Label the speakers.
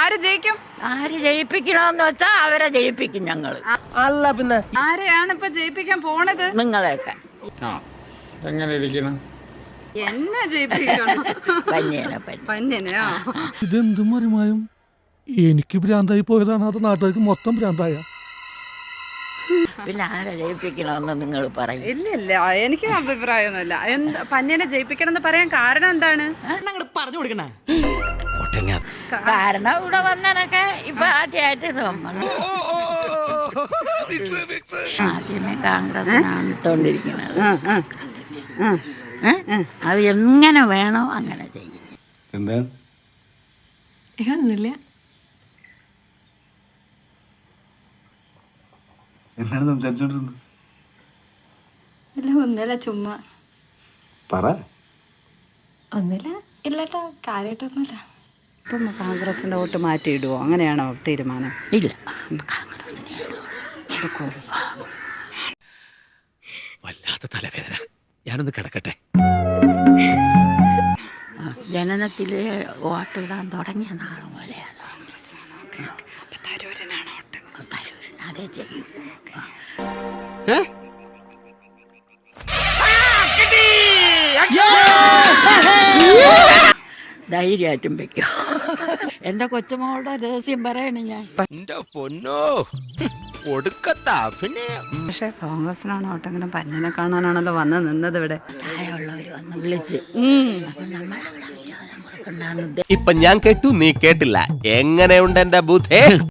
Speaker 1: ആര് ജയിക്കും?
Speaker 2: ആര് ജയിപ്പിക്കണമെന്ന് വെച്ചാ അവരെ ജയിപ്പിക്കും ഞങ്ങള്.
Speaker 3: അല്ല പിന്നെ
Speaker 1: ആരെയാണ് ഇപ്പൊ ജയിപ്പിക്കാൻ പോണത്?
Speaker 2: നിങ്ങളെയൊക്കെ
Speaker 4: എങ്ങനെ ഇരിക്കണം?
Speaker 1: എന്നെ ജയിപ്പിക്കണം. പന്യനെയോ?
Speaker 5: ഇതെന്തും മറിമായും എനിക്ക് ഭ്രാന്തായി പോയതാണ്, അത് നാട്ടുകാർക്ക് മൊത്തം ഭ്രാന്തായ.
Speaker 2: പിന്നെ ആരെ ജയിപ്പിക്കണമെന്ന് നിങ്ങൾ പറയും.
Speaker 1: ഇല്ല എനിക്ക് അഭിപ്രായമൊന്നുമില്ല. പന്യനെ ജയിപ്പിക്കണം എന്ന് പറയാൻ കാരണം എന്താണ്?
Speaker 3: പറഞ്ഞു കൊടുക്കണ
Speaker 2: കാരണം ഇവിടെ വന്നനൊക്കെ ഇപ്പൊ ആദ്യമായിട്ട് ആദ്യമേ കോൺഗ്രസിനാണ് ഇട്ടോണ്ടിരിക്കുന്നത്. അത് എങ്ങനെ വേണോ അങ്ങനെ ചെയ്യും.
Speaker 6: എന്താ
Speaker 7: ഒന്നുമില്ല.
Speaker 6: എന്താണ് സംസാരിച്ചോണ്ടിരുന്നത്?
Speaker 7: ഇല്ല, ഒന്നുമില്ല, ചുമ്മാ.
Speaker 6: പറ.
Speaker 7: ഒന്നുമില്ല, ഇല്ലട്ടോ, കാര്യമായിട്ടൊന്നുമില്ല.
Speaker 1: ഇപ്പം കോൺഗ്രസിന്റെ വോട്ട് മാറ്റിയിടുവോ? അങ്ങനെയാണോ തീരുമാനം?
Speaker 2: ഇല്ല,
Speaker 8: വല്ലാത്ത തലവേദന, ഞാനൊന്ന് കിടക്കട്ടെ.
Speaker 2: ജനനത്തില് വോട്ടിടാൻ തുടങ്ങിയ നാൾ മുതലെയാണ്.
Speaker 1: തരൂരിനാണ് വോട്ട്.
Speaker 2: തരൂരിന് അതേ ചെയ്യും. ധൈര്യമായിട്ടും വെക്കോ. എന്റെ കൊച്ചുമോളുടെ രഹസ്യം പറയണ ഞാൻ.
Speaker 3: പൊന്നോ ഒടുക്കത്താ. പിന്നെ
Speaker 1: പക്ഷെ കോൺഗ്രസിനാണ് വോട്ടെങ്കിലും പന്യനെ കാണാനാണല്ലോ വന്ന് നിന്നത് ഇവിടെ.
Speaker 2: താഴെയുള്ളവര് വന്ന് വിളിച്ച്
Speaker 3: ഇപ്പൊ ഞാൻ കേട്ടു, നീ കേട്ടില്ല. എങ്ങനെയുണ്ട് എന്റെ ബുദ്ധേ?